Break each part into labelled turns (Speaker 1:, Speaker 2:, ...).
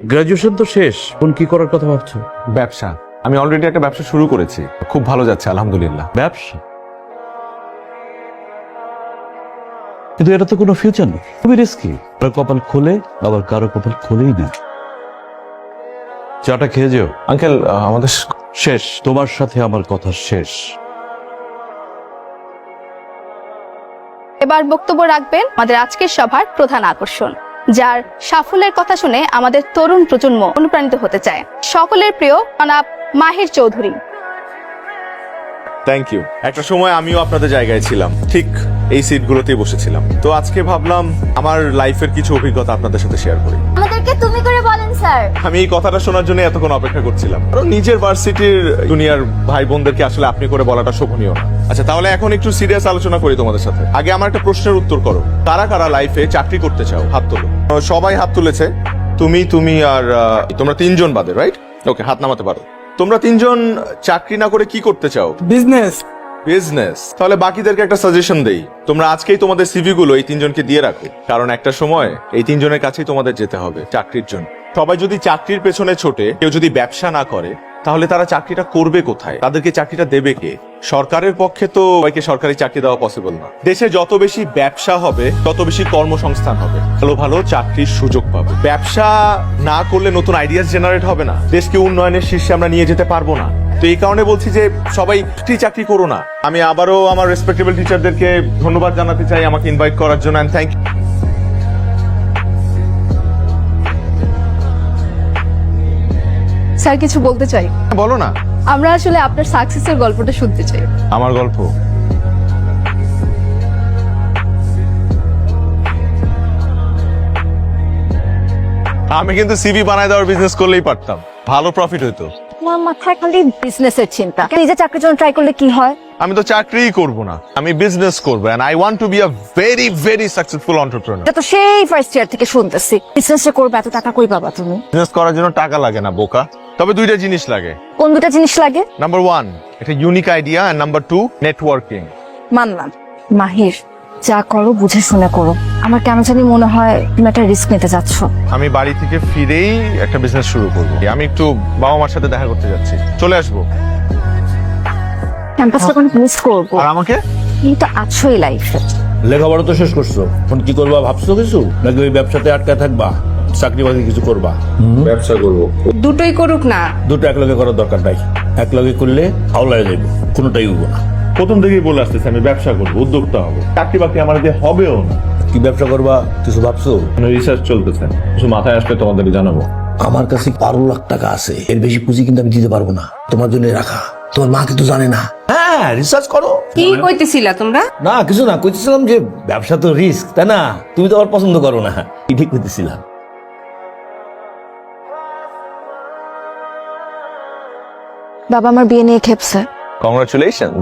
Speaker 1: Graduation তো শেষ, এখন কি করার কথা ভাবছো?
Speaker 2: ব্যবসা। আমি অলরেডি একটা ব্যবসা শুরু করেছি, খুব ভালো যাচ্ছে আলহামদুলিল্লাহ।
Speaker 1: ব্যবসা? কিন্তু এটা তো কোনো ফিউচার নেই, খুবই রিস্কি। কারো কপাল খোলে, আবার কারো কপাল খোলেই না। চাটা খেয়ে যেও।
Speaker 2: আঙ্কেল আমাদের
Speaker 1: শেষ, তোমার সাথে আমার কথা শেষ।
Speaker 3: এবার বক্তব্য রাখবেন আমাদের আজকের সভার প্রধান আকর্ষণ, যার সাফল্যের কথা শুনে আমাদের তরুণ প্রজন্ম অনুপ্রাণিত হতে চায়। সকলের প্রিয় জনাব মাহির চৌধুরী।
Speaker 4: Thank you. একটা সময় আমিও আপনাদের জায়গায় ছিলাম, ঠিক এই সিটগুলোতেই বসেছিলাম। তো আজকে ভাবলাম আমার লাইফের কিছু অভিজ্ঞতা আপনাদের সাথে শেয়ার করি।
Speaker 5: আমাদেরকে তুমি করে বলেন স্যার।
Speaker 4: আমি এই কথাটা শোনার জন্য এতক্ষণ অপেক্ষা করছিলাম, কারণ নিজের ভার্সিটির জুনিয়র ভাই বোনদেরকে আসলে আপনি করে বলাটা শোভনীয় না। আচ্ছা, তাহলে এখন একটু সিরিয়াস আলোচনা করি তোমাদের সাথে। আগে আমার একটা প্রশ্নের উত্তর করো, কারা কারা লাইফে চাকরি করতে চাও? হাত তোলো। সবাই হাত তুলেছে। তুমি আর তোমরা তিনজন বাদে, রাইট? ওকে, হাত নামাতে পারো। তোমরা তিনজন চাকরি না করে কি করতে চাও?
Speaker 6: বিজনেস।
Speaker 4: বিজনেস। তাহলে বাকিদেরকে একটা সাজেশন দেই, তোমরা আজকেই তোমাদের সিভি গুলো এই তিনজনকে দিয়ে রাখো, কারণ একটা সময় এই তিনজনের কাছেই তোমাদের যেতে হবে চাকরির জন্য। সবাই যদি চাকরির পেছনে ছোটে, কেউ যদি ব্যবসা না করে, তাহলে তারা চাকরিটা করবে কোথায়? তাদেরকে চাকরিটা দেবে কে? সরকারের পক্ষে তো সবাইকে সরকারি চাকরি দেওয়া পসিবল না। দেশে যত বেশি ব্যবসা হবে, তত বেশি কর্মসংস্থান হবে, ভালো ভালো চাকরির সুযোগ পাবে। ব্যবসা না করলে নতুন আইডিয়াস জেনারেট হবে না, দেশকে উন্নয়নের শীর্ষে আমরা নিয়ে যেতে পারবো না। তো এই কারণে বলছি যে সবাই চাকরি করো না। আমি আবারও আমার রেসপেক্টেবল টিচারদেরকে ধন্যবাদ জানাতে চাই আমাকে ইনভাইট করার জন্য, এন্ড থ্যাংক ইউ।
Speaker 3: স্যার কিছু বলতে চাই।
Speaker 4: বলো না।
Speaker 3: আমরা আসলে আপনার সাকসেসের গল্পটা শুনতে চাই।
Speaker 4: আমার গল্প? আমি কিন্তু সিভি বানায় দেওয়ার বিজনেস করলেই পারতাম, ভালো প্রফিট হইতো।
Speaker 5: আমার মাথায় খালি বিজনেসের চিন্তা। নিজে চাকরির জন্য ট্রাই করলে কি হয়?
Speaker 4: আমি তো চাকরিই করব না, আমি বিজনেস করব, and I want to be a very very successful entrepreneur.
Speaker 5: এটা তো সেই ফার্স্ট ইয়ার থেকে শুনতেছি। বিজনেস করবে, এত টাকা কই পাবা তুমি?
Speaker 4: বিজনেস করার জন্য টাকা লাগে না বোকা, তবে দুইটা জিনিস লাগে।
Speaker 5: কোন দুটা জিনিস লাগে?
Speaker 4: নাম্বার 1 একটা unique idea, and number 2 networking.
Speaker 5: মানলাম। মাহির, যা করো বুঝে শুনে করো। আমার কেন জানি মনে হয় তুমি একটা রিস্ক নিতে যাচ্ছ।
Speaker 4: আমি বাড়ি থেকে ফিরেই একটা বিজনেস শুরু করব। আমি একটু বাবা মার সাথে দেখা করতে যাচ্ছি, চলে আসবো।
Speaker 5: ক্যাম্পাসটা কোনো মিস করবো।
Speaker 4: আর আমাকে?
Speaker 5: তুমি তো আছোই লাইফে।
Speaker 1: লেখাপড়া তো শেষ করছো, এখন কি করবা ভাবছো কিছু, নাকি ওই ব্যবসাতে আটকা থাকবা, চাকরি বাকরি কিছু করবা?
Speaker 4: ব্যবসা করব।
Speaker 7: দুটোই করুক না।
Speaker 1: দুটো একলগে করার দরকার নাই, একলগে করলে হাওলায় যাইব, কোনোটাই হইব না।
Speaker 4: প্রথম থেকেই বলে আসতেছি আমি ব্যবসা করব, উদ্যোক্তা হব। চাকরি বাকরি আমার দিয়ে হবেও না।
Speaker 1: কি ব্যবসা করবা কিছু ভাবছো?
Speaker 4: রিসার্চ চলতেছে, কিছু মাথায় আসলে তোমাদেরকে জানাবো।
Speaker 8: আমার কাছে 12 লাখ টাকা আছে, এর বেশি পুঁজি কিন্তু আমি দিতে পারবো না, তোমার জন্য রাখা। তোমার মা কিন্তু জানে না।
Speaker 1: হ্যাঁ, রিসার্চ করো।
Speaker 7: কি কইতেছিলা তোমরা?
Speaker 1: না কিছু না, কইতেছিলাম যে ব্যবসা তো রিস্ক, তাই না? তুমি তো আবার পছন্দ করো না, ঠিক কইতেছিলাম।
Speaker 5: বাবা আমার বিয়ে নিয়ে খেপছে।
Speaker 4: কংগ্রাচুলেশনস।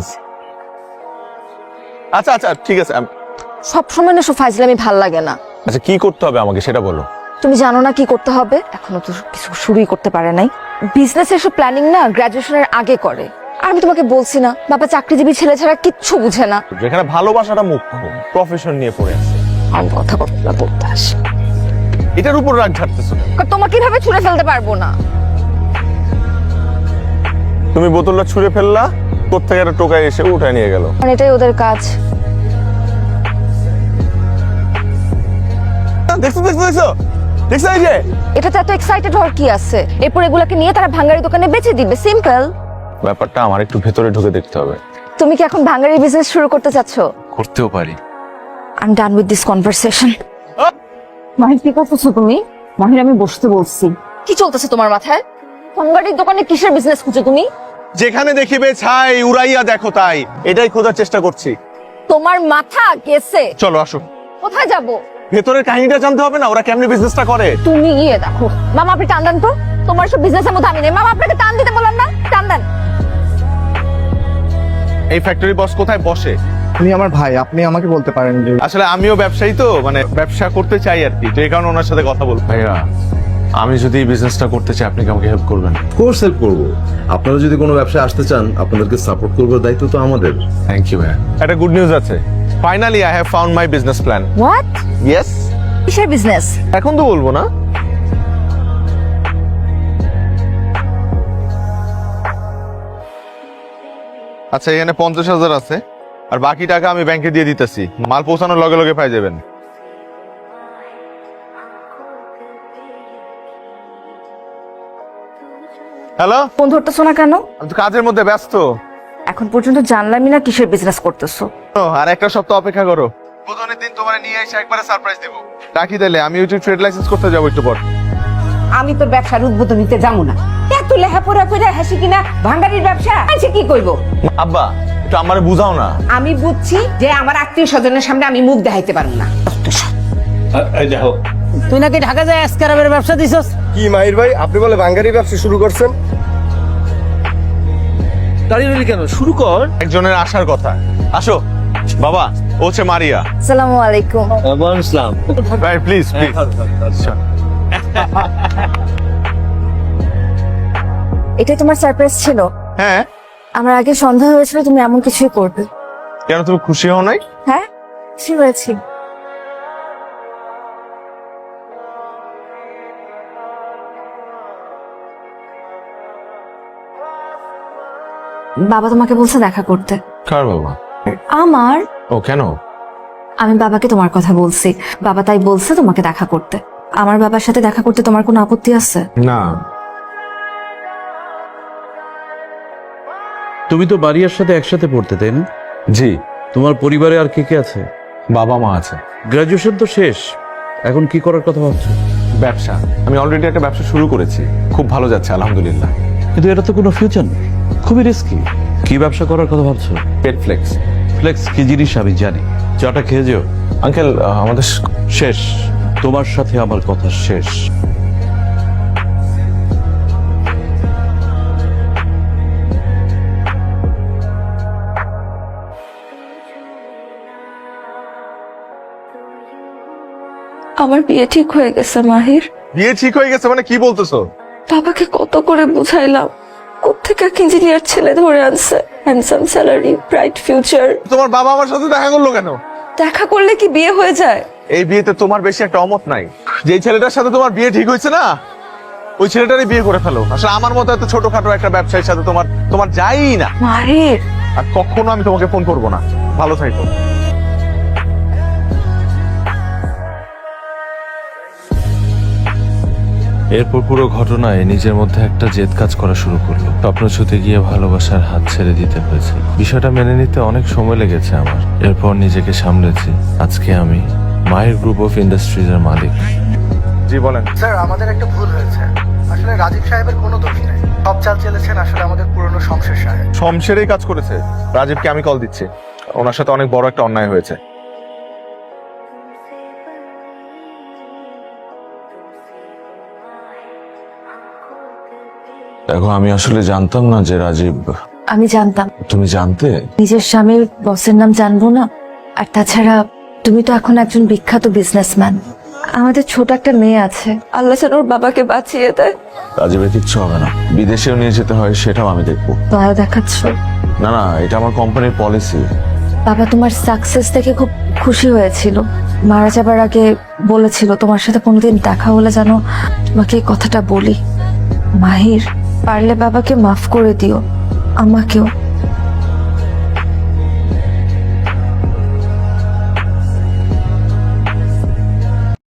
Speaker 4: আচ্ছা আচ্ছা ঠিক আছে।
Speaker 5: সবসময় না সব ফাইজলামি ভাল লাগে না।
Speaker 4: আচ্ছা কি করতে হবে আমাকে সেটা বলো।
Speaker 5: তুমি জানো না কি করতে হবে? এখনো তো কিছু শুরুই করতে পারে নাই। বিজনেসের সব প্ল্যানিং না গ্রাজুয়েশনের আগে করে। আর আমি তোমাকে বলছি না, বাবা চাকরিজীবী ছেলে ছাড়া কিচ্ছু বুঝে না।
Speaker 4: যেখানে ভালোবাসাটা মুখ্য, প্রফেশন নিয়ে পড়ে আছে।
Speaker 5: আমি কথা বলতে আসি,
Speaker 4: এটার উপর রাগ ঝাড়তেছো কেন?
Speaker 5: তোমাকে কিভাবে ছুঁড়ে ফেলতে পারবো না।
Speaker 4: তুমি বোতলটা ছুঁড়ে ফেললা, কোত্থেকে একটা টোকায় এসে উঠায় নিয়ে গেল।
Speaker 5: কারণ এটাই ওদের কাজ।
Speaker 4: দেখছো দেখছো দেখছো দেখছো এই যে
Speaker 5: এটাতে এত এক্সাইটেড হওয়ার কি আছে? এরপর এগুলাকে নিয়ে তারা ভাঙ্গারি দোকানে বেচে দিবে, সিম্পল।
Speaker 4: ব্যাপারটা আমার একটু ভেতরে ঢুকে দেখতে হবে।
Speaker 5: তুমি কি এখন ভাঙ্গারি বিজনেস শুরু করতে চাচ্ছ?
Speaker 4: করতেও পারি।
Speaker 5: I am done with this conversation.
Speaker 9: Mahir কি করতেছো তুমি? মাহির আমি বসতে বলছি।
Speaker 5: কি চলতেছে তোমার মাথায়? ভাঙ্গারির দোকানে কিসের বিজনেস খুঁজো তুমি?
Speaker 4: যেখানে দেখিবে ছাই উড়াইয়া দেখো তাই, এটাই খোঁজার চেষ্টা করছি।
Speaker 5: তোমার মাথা গেছে।
Speaker 4: চলো আসো।
Speaker 5: কোথায় যাব?
Speaker 4: ভেতরের কাহিনীটা জানতে হবে না, ওরা কেমনে বিজনেসটা করে।
Speaker 5: তুমি গিয়ে দেখো। মামা আপনি টান দেন তো, তোমার সব বিজনেসের মধ্যে আমি নেই। মামা আপনাকে টান দিতে বললাম না, টান দেন।
Speaker 4: এই ফ্যাক্টরি বস কোথায় বসে?
Speaker 6: আপনি আমার ভাই, আপনি আমাকে বলতে পারেন যে
Speaker 4: আসলে আমিও ব্যবসায়ী, তো মানে ব্যবসা করতে চাই আর কি, তো এই কারণে ওনার সাথে কথা বলবো। ভাইয়া আমি যদি এই বিজনেসটা করতে চাই, আপনি কি আমাকে হেল্প করবেন?
Speaker 10: কোর্স হেল্প করবো। আপনারা যদি কোনো ব্যবসায় আসতে চান, আপনাদেরকে সাপোর্ট করবার দায়িত্ব তো আমাদের।
Speaker 4: থ্যাংক ইউ ভাইয়া। একটা গুড নিউজ আছে, finally I have found my business plan.
Speaker 5: What?
Speaker 4: Yes.
Speaker 5: কিসের বিজনেস?
Speaker 4: এখন তো বলবো না। আচ্ছা এখানে 50,000 আছে, আর বাকি টাকা আমি ব্যাংকে দিয়ে দিতেছি, মাল পৌঁছানোর লগে লগে পাই যাবেন। হ্যালো,
Speaker 5: ফোন ধরতেছো না কেন?
Speaker 4: আমি তো কাজের মধ্যে ব্যস্ত।
Speaker 5: এখন পর্যন্ত জানলামই না কিসের বিজনেস করতেছো।
Speaker 4: আর একটা সপ্তাহ অপেক্ষা করো, বুধনের দিন তোমার নিয়ে এসে একবারে সারপ্রাইজ দেবো। রাখি তাহলে, আমি ওই ট্রেড লাইসেন্স করতে যাবো একটু পর।
Speaker 7: আমি তোর ব্যবসার উদ্বোধন নিতে যাবো না। এত লেখাপড়া করে হাসি কিনা ভাঙ্গারির ব্যবসা আছে, কি করবো?
Speaker 4: আব্বা একটু আমারে বুঝাও না।
Speaker 7: আমি বুঝছি যে আমার আত্মীয় স্বজনের সামনে আমি মুখ দেখাইতে পারবো না।
Speaker 8: তুই নাকি ঢাকা যায় আজকারাবের ব্যবসা দিছস?
Speaker 6: কি মাহির ভাই, আপনি বলে বাঙ্গারি ব্যবসা শুরু করছেন?
Speaker 8: দাঁড়িয়ে রইলি কেন, শুরু কর।
Speaker 4: একজনের আসার কথা। আসো বাবা, ও হচ্ছে মারিয়া।
Speaker 5: আসসালামু আলাইকুম।
Speaker 8: ইসলাম।
Speaker 4: ভাই প্লিজ প্লিজ।
Speaker 5: এটাই তোমার সারপ্রাইজ ছিল?
Speaker 4: হ্যাঁ,
Speaker 5: আমার আগে সন্দেহ হয়েছিল তুমি এমন কিছুই করবে।
Speaker 4: কেন তুমি খুশি হও নাই?
Speaker 5: হ্যাঁ, খুশি হয়েছি। বাবা তোমাকে বলছে দেখা করতে।
Speaker 4: কার বাবা?
Speaker 5: আমার।
Speaker 4: ও কেন?
Speaker 5: আমি বাবাকে তোমার কথা বলছি, বাবা তাই বলছে তোমাকে দেখা করতে। আমার বাবার সাথে দেখা করতে তোমার কোনো আপত্তি আছে?
Speaker 4: না।
Speaker 1: তুমি তো বাড়িয়ার সাথে একসাথে পড়তে, তাই না?
Speaker 4: জি।
Speaker 1: তোমার পরিবারে আর কে কে আছে?
Speaker 4: বাবা মা আছে।
Speaker 1: গ্রাজুয়েশন তো শেষ, এখন কি করার কথা ভাবছো?
Speaker 2: ব্যবসা, আমি অলরেডি একটা ব্যবসা শুরু করেছি, খুব ভালো যাচ্ছে আলহামদুলিল্লাহ।
Speaker 1: কিন্তু এটা তো কোনো ফিউচার নেই, খুবই রিস্কি। কি ব্যবসা করার কথা ভাবছো?
Speaker 2: পেট ফ্লেক্স।
Speaker 1: ফ্লেক্স কি জিনিস আমি জানি, চাটা খেয়ে যেও।
Speaker 2: আঙ্কেল আমাদের
Speaker 1: শেষ, তোমার সাথে আমার কথা শেষ।
Speaker 5: আমার বিয়ে ঠিক হয়ে গেছে মাহির।
Speaker 4: বিয়ে ঠিক হয়ে গেছে মানে কি বলতেছো?
Speaker 5: বাবাকে কত করে বুঝাইলাম, কোত্থেকে এক ইঞ্জিনিয়ার ছেলে ধরে আনছে, হ্যান্ডসাম স্যালারি, ব্রাইট ফিউচার।
Speaker 4: তোমার বাবা আমার সাথে দেখা করলো কেন?
Speaker 5: দেখা করলে কি বিয়ে হয়ে যায়?
Speaker 4: এই বিয়েতে তোমার বেশি একটা অমত নাই। যেই ছেলেটার সাথে তোমার বিয়ে ঠিক হয়েছে না, ওই ছেলেটারই বিয়ে করে ফেলো। আসলে আমার মতো এত ছোটখাটো একটা ব্যবসায়ীর সাথে তোমার যাই না।
Speaker 5: মাহির,
Speaker 4: আর কখনো আমি তোমাকে ফোন করবো না। ভালো থাকো।
Speaker 11: এরপর পুরো ঘটনায় নিজের মধ্যে একটা জেদ কাজ করা শুরু করলো। স্বপ্ন ছুতে গিয়ে ভালোবাসার হাত ছেড়ে দিতে হয়েছে। বিষয়টা মেনে নিতে অনেক সময় লেগেছে আমার। এরপর নিজেকে সামলেছি। আজকে আমি মাহির গ্রুপ অফ ইন্ডাস্ট্রিজ এর মালিক।
Speaker 4: জি বলেন।
Speaker 6: স্যার আমাদের একটা ভুল হয়েছে, আসলে রাজীব সাহেবের কোনো দোষ নেই। সব চাল চেলেছেন আসলে আমাদের পুরনো শমশের সাহেব।
Speaker 4: শমশেরই কাজ করেছে। রাজীবকে আমি কল দিচ্ছি, ওনার সাথে অনেক বড় একটা অন্যায় হয়েছে।
Speaker 11: দেখো, আমি আসলে জানতাম না যে রাজীব।
Speaker 5: আমি জানতাম।
Speaker 11: তুমি জানতে?
Speaker 5: নিজের স্বামীর বসের নাম জানবো না? আর তাছাড়া তুমি তো এখন একজন বিখ্যাত বিজনেসম্যান। আমাদের ছোট একটা মেয়ে আছে, আল্লাহ যেন ওর বাবাকে বাঁচিয়ে দেয়।
Speaker 11: রাজীবের কিচ্ছু হবে না, বিদেশেও নিয়ে যেতে হয় সেটাও আমি দেখবো।
Speaker 5: দয়া দেখাচ্ছ?
Speaker 11: না না, এটা আমার কোম্পানির পলিসি।
Speaker 5: বাবা তোমার সাকসেস দেখে খুব খুশি হয়েছিল। মারা যাবার আগে বলেছিল তোমার সাথে কোনোদিন দেখা হলে যেন তোমাকে এই কথাটা বলি। মাহির, পারলে বাবাকে মাফ করে দিও, আমাকেও।